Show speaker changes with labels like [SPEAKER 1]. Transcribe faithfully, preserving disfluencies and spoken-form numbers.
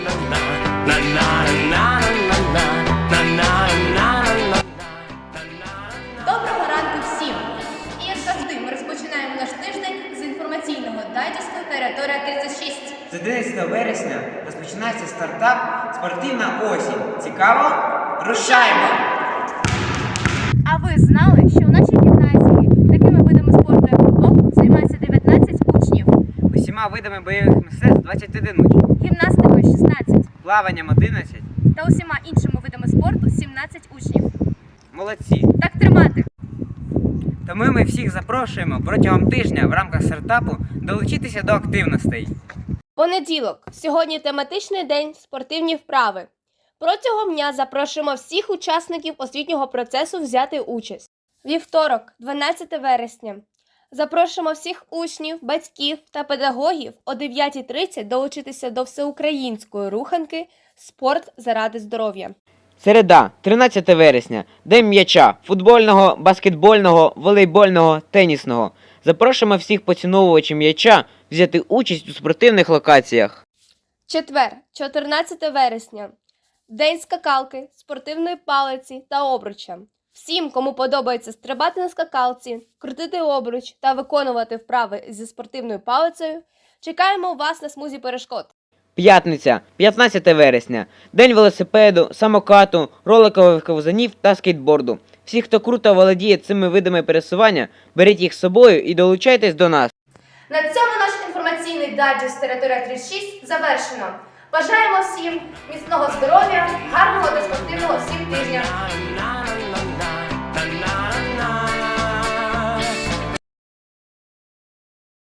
[SPEAKER 1] Доброго ранку всім! І як завжди, ми розпочинаємо наш тиждень з інформаційного дайджесту «Територія тридцять шість».
[SPEAKER 2] З одинадцятого вересня розпочинається стартап «Спортивна осінь». Цікаво? Рушаємо!
[SPEAKER 1] А ви знали, що у нашій гімназії такими видами спорту, як футбол, займається дев'ятнадцять учнів,
[SPEAKER 2] Усіма видами бойових мистецтв двадцять один учень,
[SPEAKER 1] гімнастикою шістнадцять
[SPEAKER 2] плаванням одинадцять.
[SPEAKER 1] та усіма іншими видами спорту сімнадцять учнів.
[SPEAKER 2] Молодці!
[SPEAKER 1] Так тримати!
[SPEAKER 2] Тому ми всіх запрошуємо протягом тижня в рамках стартапу долучитися до активностей.
[SPEAKER 3] Понеділок. Сьогодні тематичний день спортивні вправи. Протягом дня запрошуємо всіх учасників освітнього процесу взяти участь. Вівторок, дванадцяте вересня. Запрошуємо всіх учнів, батьків та педагогів о дев'ятій тридцять долучитися до всеукраїнської руханки «Спорт заради здоров'я».
[SPEAKER 2] Середа, тринадцяте вересня. День м'яча – футбольного, баскетбольного, волейбольного, тенісного. Запрошуємо всіх поціновувачів м'яча взяти участь у спортивних локаціях.
[SPEAKER 3] Четвер, чотирнадцяте вересня. День скакалки, спортивної палиці та обруча. Всім, кому подобається стрибати на скакалці, крутити обруч та виконувати вправи зі спортивною палицею, чекаємо вас на смузі перешкод.
[SPEAKER 2] П'ятниця, п'ятнадцяте вересня. День велосипеду, самокату, роликових ковзанів та скейтборду. Всі, хто круто володіє цими видами пересування, беріть їх з собою і долучайтесь до нас.
[SPEAKER 1] На цьому наш інформаційний дайджест «Територія тридцять шість» завершено. Бажаємо всім міцного здоров'я, гарного та спортивного всім тижня!